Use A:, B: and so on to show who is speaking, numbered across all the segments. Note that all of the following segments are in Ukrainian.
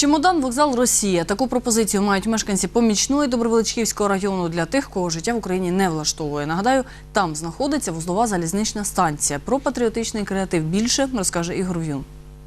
A: Чемодан, вокзал, Росія. Таку пропозицію мають мешканці Помічної Добровеличківського району для тих, кого життя в Україні не влаштовує. Нагадаю, там знаходиться вузлова залізнична станція. Про патріотичний креатив більше розкаже Ігор В'юн.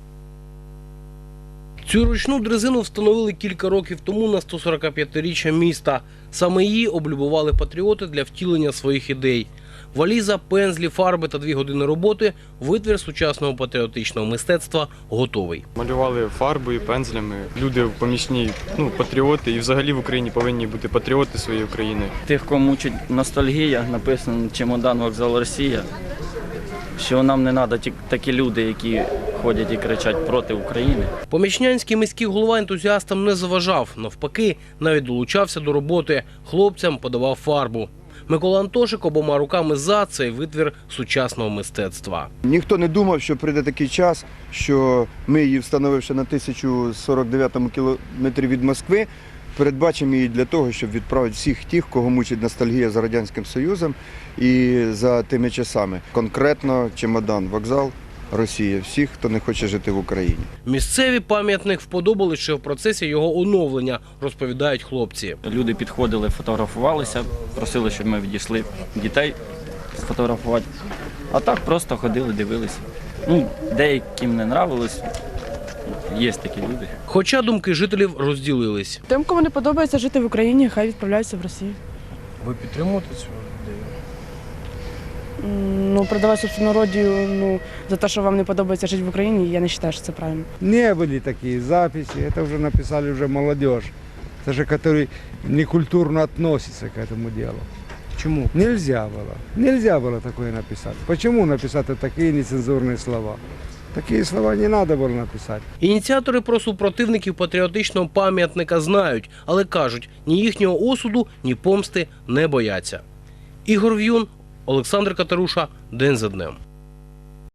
B: Цю ручну дрезину встановили кілька років тому на 145-річчя міста. Саме її облюбували патріоти для втілення своїх ідей. Валіза, пензлі, фарби та 2 години роботи – витвір сучасного патріотичного мистецтва готовий.
C: Малювали фарбою, пензлями. Люди в Помічній, патріоти, і взагалі в Україні повинні бути патріоти своєї України.
D: Тих, кого мучить ностальгія, написано «Чемодан, вокзал, Росія», що нам не треба такі люди, які ходять і кричать проти України.
B: Помічнянський міський голова ентузіастам не заважав. Навпаки, навіть долучався до роботи. Хлопцям подавав фарбу. Микола Антошик обома руками за цей витвір сучасного мистецтва.
E: Ніхто не думав, що прийде такий час, що ми її, встановивши на 1049 кілометрі від Москви, передбачимо її для того, щоб відправити всіх тих, кого мучить ностальгія за Радянським Союзом і за тими часами. Конкретно чемодан, вокзал, Росія. Всіх, хто не хоче жити в Україні.
B: Місцеві пам'ятник вподобали ще в процесі його оновлення, розповідають хлопці.
D: Люди підходили, фотографувалися, просили, щоб ми відійшли дітей сфотографувати. А так просто ходили, дивилися. Деяким не нравилось, є такі люди.
B: Хоча думки жителів розділились.
F: Тим, кому не подобається жити в Україні, хай відправляються в Росію.
B: Ви підтримуєте цю ідею?
F: Продавати собственну родину, за те, що вам не подобається жити в Україні, я не вважаю, що це правильно.
G: Не были такие записи, это уже написали уже молодежь, даже которые некультурно относятся к этому делу.
B: Чому?
G: Нельзя было такое написать. Почему написать такие нецензурные слова? Такие слова не надо было написать.
B: Ініціатори про супротивників патріотичного пам'ятника знають, але кажуть, ні їхнього осуду, ні помсти не бояться. Ігор В'юн, Олександр Катеруша. День за днем.